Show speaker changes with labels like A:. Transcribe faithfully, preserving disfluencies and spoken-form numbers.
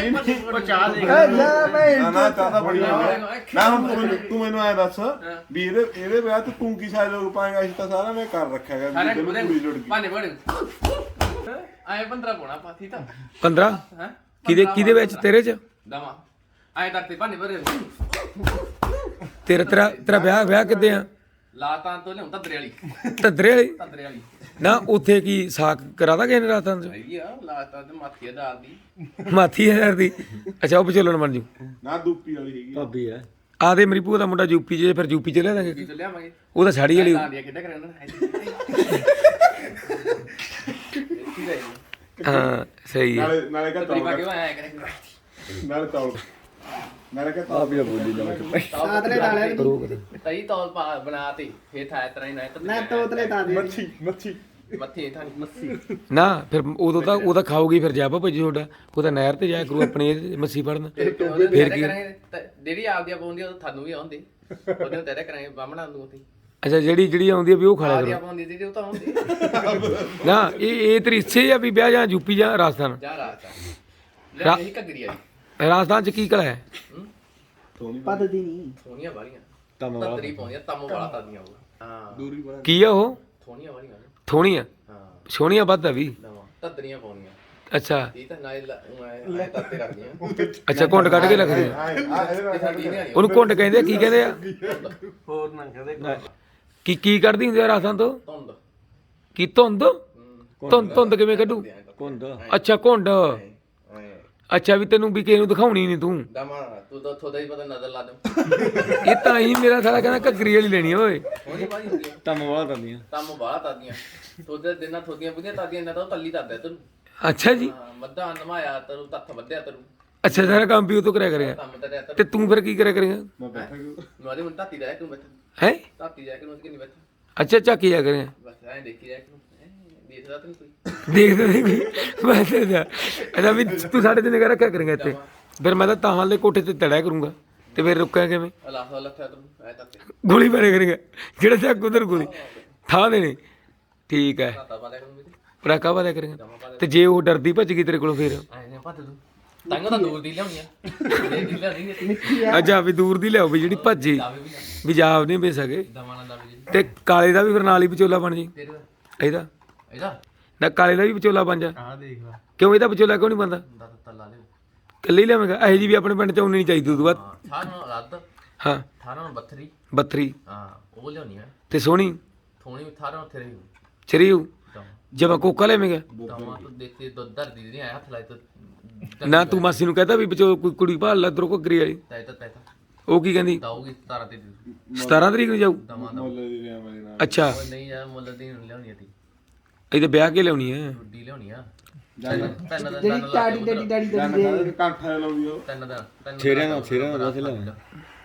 A: ਨਹੀਂ
B: ਉਹ ਚਾਹ ਦੇ
A: ਨਾ ਨਾ ਚਾਹਦਾ ਬੜੀ ਮੈਂ ਹੁਣ ਤੂੰ ਤੂੰ ਮੈਨੂੰ ਐ ਦੱਸ ਵੀ ਇਹਦੇ ਇਹਦੇ ਵਿਆਹ ਤੇ ਤੂੰ ਕੀ ਸਾਜ ਲੋਕ ਪਾਏਗਾ ਇਸ ਤਾਂ ਸਾਰਾ ਮੈਂ ਕਰ ਰੱਖਿਆ ਗਾ
B: ਸਾਰੇ
A: ਵੀ ਕੁੜੀ ਲੁੱਟ ਗਈ
B: ਭਾਨੇ ਬੜੇ ਆਏ ਪੰਦਰਾਂ ਪੋਣਾ ਪਾਥੀ ਤਾਂ
C: ਪੰਦਰਾਂ
B: ਹੈ
C: ਕਿਹਦੇ ਕਿਹਦੇ ਵਿੱਚ ਤੇਰੇ ਚ
B: ਦਵਾ ਆਏ ਤੱਕ ਤੇ ਭਾਨੇ ਬੜੇ
C: ਤੇਰਾ ਤੇਰਾ ਤੇਰਾ ਵਿਆਹ ਵਿਆਹ ਕਿੱਦੇ ਆ
B: ਲਾਤਾਂ ਤੋਂ ਲਿਆਉਂ ਤਦਰੇ ਵਾਲੀ
C: ਤਦਰੇ ਵਾਲੀ
B: ਤਦਰੇ ਵਾਲੀ
C: ਨਾ ਉੱਥੇ ਕੀ ਸਾਕ ਕਰਾਦਾ ਕਿਸੇ ਨੇ ਰਾਤਾਂ ਚ
B: ਹੈਗੀ ਆ ਲਾਤਾਂ ਤੇ ਮਾਥੀ ਦਾਲ ਦੀ
C: ਮਾਥੀ ਹਜ਼ਾਰ ਦੀ ਅੱਛਾ ਉਹ ਵਿਚੋਲਣ ਬਣ ਜੂ
A: ਨਾ ਦੂਪੀ ਵਾਲੀ ਹੈਗੀ
D: ਭਾਬੀ ਹੈ
C: ਆਦੇ ਮੇਰੀ ਭੂਆ ਦਾ ਮੁੰਡਾ ਯੂਪੀ ਚ ਫਿਰ ਯੂਪੀ ਚ ਲੈ ਦਾਂਗੇ
B: ਕੀ ਤੋਂ ਲਿਆਵਾਂਗੇ
C: ਉਹ ਤਾਂ ਸਾੜੀ ਵਾਲੀ
B: ਦਾਦੀਆਂ ਕਿੱਦਾਂ ਕਰਾਉਣਾ
C: ਹਾਂ ਸਹੀ ਹੈ
A: ਨਾਲੇ ਨਾਲੇ ਕਾ
B: ਤਰੀ ਪਾ
A: ਤੌਲ
B: ਕੇ ਆਇਆ ਕਰੇ
A: ਨਾਲੇ ਤੌਲ ਨਾਲੇ ਕਾ ਤੌਲ
D: ਭਾਬੀ ਬੋਲੀ ਜਾ
E: ਤਾਤਲੇ ਡਾਲੇ
B: ਤਈ ਤੌਲ ਪਾ ਬਣਾਤੀ ਫੇਰ ਥਾਇ ਤਰ੍ਹਾਂ ਹੀ ਨਾ
E: ਨਾ ਤੋਤਲੇ ਤਾਂ ਦੇ
A: ਮੱਛੀ ਮੱਛੀ
B: ਮੱਥੇ ਥਾਂ ਮੱਸੀ
C: ਨਾ ਫਿਰ ਉਦੋਂ ਤਾਂ ਉਹਦਾ ਖਾਓਗੀ ਫਿਰ ਜਾਪਾ ਭੱਜੀ ਤੁਹਾਡਾ ਉਹ ਤਾਂ ਨਹਿਰ ਤੇ ਜਾਇਆ ਕਰੂ ਆਪਣੀ ਇਹ ਮੱਛੀ ਫੜਨ
B: ਫੇਰ
C: ਫੇਰ ਕੀ
B: ਜਿਹੜੀ ਆਪਦੀ ਪਾਉਂਦੀ ਉਹ ਤੁਹਾਨੂੰ ਵੀ ਆਉਂਦੀ ਉਹਦੇ ਤੇਰੇ ਕਰਾਂਗੇ ਬਾਹਮਣਾ ਨੂੰ ਉੱਥੇ
C: ਅੱਛਾ ਜਿਹੜੀ ਜਿਹੜੀ ਆਉਂਦੀ ਆ ਵੀ ਉਹ ਖਾ ਲਿਆ
B: ਆਪਦੀ
C: ਕਰੋ
B: ਪਾਉਂਦੀ ਜਿਹੜੀ ਉਹ ਤਾਂ ਆਉਂਦੀ
C: ਨਾ ਇਹ ਇਹ ਤੇਰੀ ਇੱਛੇ ਆ ਵੀ ਵਿਆਹ ਜਾਂ ਯੂਪੀ ਜਾਂ ਰਾਜਸਥਾਨ
B: ਜਾ ਰਾਤ ਲੈ ਇਹ ਘੱਗਰੀ ਵਾਲੀ
C: ਰਾਜਸਥਾਨ ਚ ਕੀ ਕਲਾ ਹੈ
E: ਪੱਦਦੀ ਨਹੀਂ
B: ਸੋਹਣੀਆਂ ਵਾਲੀਆਂ
D: ਤਮ
B: ਤੰਤਰੀ ਪਾਉਂਦੀਆਂ ਤੰਮ ਵਾਲਾ ਤਾਦੀਆਂ ਉਹ ਹਾਂ
A: ਦੂਰੀ ਬਣਾ
C: ਕੀ ਆ ਉਹ
B: ਸੋਹਣੀਆਂ ਵਾਲੀਆਂ ਨੇ।
C: ਥੋਣੀਆਂ
B: ਹਾਂ
C: ਸੋਹਣੀਆਂ ਵੱਧ ਆ ਵੀ
B: ਨਵਾਂ ਤਦਰੀਆਂ ਪਾਉਂਦੀਆਂ
C: ਅੱਛਾ
B: ਇਹ ਤਾਂ ਨਾਲੇ ਲੈ ਤੱਤੇ ਰੱਖਦੀਆਂ
C: ਅੱਛਾ ਘੁੰਡ ਕੱਢ ਕੇ ਰੱਖਦੇ ਆ।
A: ਆ ਇਹਦੇ
B: ਇਹ ਸਾਡੀ ਨਹੀਂ ਆਣੀ
C: ਉਹਨੂੰ ਘੁੰਡ ਕਹਿੰਦੇ ਆ, ਕੀ ਕਹਿੰਦੇ ਆ
B: ਹੋਰ ਨਾ ਕਹਦੇ
C: ਕੀ ਕੀ ਕੱਢਦੀ ਹੁੰਦੀ ਆ ਰਾਜਸਥਾਨ ਤੋਂ
B: ਧੁੰਦ
C: ਕੀ ਧੁੰਦ ਧੁੰਦ ਧੁੰਦ ਕਿਵੇਂ ਕੱਢੂ
D: ਕੁੰਦ
C: ਅੱਛਾ ਘੁੰਡ ਅੱਛਾ ਵੀ ਤੈਨੂੰ ਵੀ ਕਿਸੇ ਨੂੰ ਦਿਖਾਉਣੀ ਨਹੀਂ ਤੂੰ
B: ਦਮਾ ਤੂੰ ਤਾਂ ਥੋੜਾ ਹੀ ਪਤਾ ਨਜ਼ਰ ਲਾ ਦੂੰ
C: ਇਹ ਤਾਂ ਹੀ ਮੇਰਾ ਸਾਲਾ ਕਹਿੰਦਾ ਘੱਗਰੀ ਵਾਲੀ ਲੈਣੀ ਆ ਓਏ
B: ਹੋਣੀ ਵਾਲੀ ਹੁੰਦੀ ਹੈ
D: ਤਮ ਵਾਲਾ ਤੰਦੀਆਂ
B: ਤੰਮ ਬਾਹਲਾ ਤਾਦੀਆਂ ਤੋਦੇ ਦਿਨਾਂ ਥੋਦੀਆਂ ਬੁੱਧੀਆਂ ਤਾਦੀਆਂ ਨਾ ਤਾਂ ਉਹ ਤੱਲੀ ਤਾਦਾ ਤੈਨੂੰ
C: ਅੱਛਾ ਜੀ
B: ਹਾਂ ਮੱਧਾ ਨਮਾਇਆ ਤੈਨੂੰ ਤੱਥ ਵੱਧਿਆ ਤੈਨੂੰ
C: ਅੱਛਾ ਸਾਰਾ ਕੰਮ ਵੀ ਉਹ ਤੋਂ ਕਰਿਆ ਕਰੇਗਾ
B: ਕੰਮ ਤੇ ਰਿਆ
C: ਤੇ ਤੂੰ ਫਿਰ ਕੀ ਕਰਿਆ ਕਰੇਗਾ
A: ਮੈਂ ਬੈਠਾ ਕਿ
B: ਨਵਾਦੇ mun ਤਾਤੀ ਜਾ ਕੇ ਬੈਠ
C: ਹੈ
B: ਤਾਤੀ ਜਾ ਕੇ ਨੂੰ ਕਿ ਨਹੀਂ ਬੈਠ
C: ਅੱਛਾ ਝਾਕੀ ਜਾ ਕਰੇਗਾ
B: ਬਸ ਐਂ ਦੇਖੀ ਜਾ ਕੇ ਦੇਖਦਾ ਤੈਨੂੰ ਕੋਈ
C: ਦੇਖਦੇ ਨਹੀਂ ਕੋਈ ਬਸ ਅੱਛਾ ਅੱਛਾ ਵੀ ਤੂੰ ਸਾਡੇ ਤੇ ਨਿਗਾਹ ਰੱਖਿਆ ਕਰੇਗਾ ਇੱਥੇ ਫਿਰ ਮੈਂ ਤਾਂ ਤਾਂ ਹਾਲੇ ਕੋਠੇ ਤੇ ਤੜਿਆ ਕਰੂੰਗਾ ਤੇ ਫਿਰ ਰੁਕਿਆ ਕਿਵੇਂ
B: ਅੱਲਾਹ ਅੱਲਾਹ ਤੈਨੂੰ ਐ ਤਾਤੇ
C: ਗੋਲੀ ਮਾਰਿਆ ਕਰੇਗਾ ਜਿਹੜਾ ਚੱਕ ਉਧਰ ਗੋਲੀ ਥਾਂ ਦੇਣੀ ਠੀਕ ਹੈ
B: ਤਾਤਾ ਪਾ ਲੈ ਕਰੂੰ ਮੇਰੇ
C: ਪੜਾਕਾ ਵਾਲਿਆ ਕਰੇਗਾ ਤੇ ਜੇ ਉਹ ਡਰਦੀ ਭੱਜ ਗਈ ਤੇਰੇ ਕੋਲੋਂ ਫਿਰ
B: ਐ ਨੇ ਪੱਤ ਤੂੰ ਤੰਗ ਤਾਂ ਦੂਰ ਦੀ ਲਿਆਉਣੀ ਆ ਦੇ ਦੀ ਲਿਆਉਣੀ
C: ਅੱਛਾ ਵੀ ਦੂਰ ਦੀ ਲਿਆਓ ਵੀ ਜਿਹੜੀ ਭੱਜੀ
B: ਦਾਵੇ ਵੀ
C: ਵੀ ਜਾਬ ਨਹੀਂ ਵੇ ਸਕੇ
B: ਦਵਾਣਾ ਦਾਵੇ ਜੀ
C: ਤੇ ਕਾਲੇ ਦਾ ਵੀ ਫਿਰ ਨਾਲ ਹੀ ਵਿਚੋਲਾ ਬਣ ਜੀ
B: ਤੇਰੇ
C: ਇਹਦਾ
B: ਇਹਦਾ
C: ਨਾ ਕਾਲੇ ਦਾ ਵੀ ਵਿਚੋਲਾ ਬਣ ਜਾ
B: ਆਹ ਦੇਖ ਲਾ
C: ਕਿਉਂ ਇਹਦਾ ਵਿਚੋਲਾ ਕਿਉਂ ਨਹੀਂ ਬਣਦਾ
B: ਦਾ ਤੱਲਾ ਲੈ
C: ਕੱਲੇ ਹੀ ਲਿਆਵੇਂਗਾ ਇਹੋ ਜੀ ਵੀ ਆਪਣੇ ਪਿੰਡ ਚ ਆਉਣੀ ਨਹੀਂ ਚਾਹੀਦੀ ਉਦੋਂ ਬਾਅਦ
B: ਹਾਂ ਅਠਾਰਾਂ ਰੱਦ
C: ਹਾਂ
B: ਅਠਾਰਾਂ ਬੱਤਰੀ
C: ਬੱਤਰੀ
B: ਹਾਂ ਉਹ ਲਿਆਉਣੀ ਆ
C: ਤੇ ਸੋਹਣੀ
B: ਥੋਣੀ ਅਠਾਰਾਂ ਉੱਥੇ ਰਹੀ
C: ਚਰੀਉ ਜਮਾ ਕੋਕਾ ਲਿਆਵੇਂਗਾ
B: ਦਮਾ ਤੂੰ ਦੇਖਤੇ ਦੋ ਦਰਦੀ ਨਹੀਂ ਆਇਆ ਹੱਥ ਲਾਇ ਤਾਂ
C: ਨਾ ਤੂੰ ਮਾਸੀ ਨੂੰ ਕਹਤਾ ਵੀ ਵਿਚੋ ਕੋਈ ਕੁੜੀ ਭਾਲ ਲੈ ਇਧਰੋਂ ਘੱਗਰੀ ਵਾਲੀ
B: ਤੈ ਤਾਂ ਤੈ ਤਾਂ
C: ਉਹ ਕੀ ਕਹਿੰਦੀ
B: ਦਾਉਗੀ ਸਤਾਰਾਂ ਤੇ ਦੇ
C: ਸਤਾਰਾਂ ਤਰੀਕ ਨੂੰ ਜਾਊ
B: ਦਮਾ ਦਾ
A: ਮੁੱਲ ਦੀ ਰਿਆ ਮੇਰੇ ਨਾਲ
C: ਅੱਛਾ
B: ਉਹ ਨਹੀਂ ਯਾਰ ਮੁੱਲ ਦੀ ਨਹੀਂ ਲਿਆਉਣੀ ਤੀ
C: ਇਹਦੇ ਵਿਆਹ ਕੇ ਲਿਆਉਣੀ ਹੈ
B: ਰੁੱਡੀ ਲਿਆਉਣੀ ਆ
A: ਜਾਨ
B: ਤਿੰਨ ਦਾ
E: ਜਿਹੜੀ ਟਾੜੀ ਡੱਡੀ ਡਾੜੀ
A: ਜਾਨ
E: ਡੱਡੀ
A: ਦਾ ਕੰਠਾ ਲਾਉਂਦੀ ਉਹ
B: ਤਿੰਨ ਦਾ ਤਿੰਨ
D: ਛੇਰਿਆਂ ਦਾ ਛੇਰਿਆਂ ਦਾ ਦੱਸ ਲੈ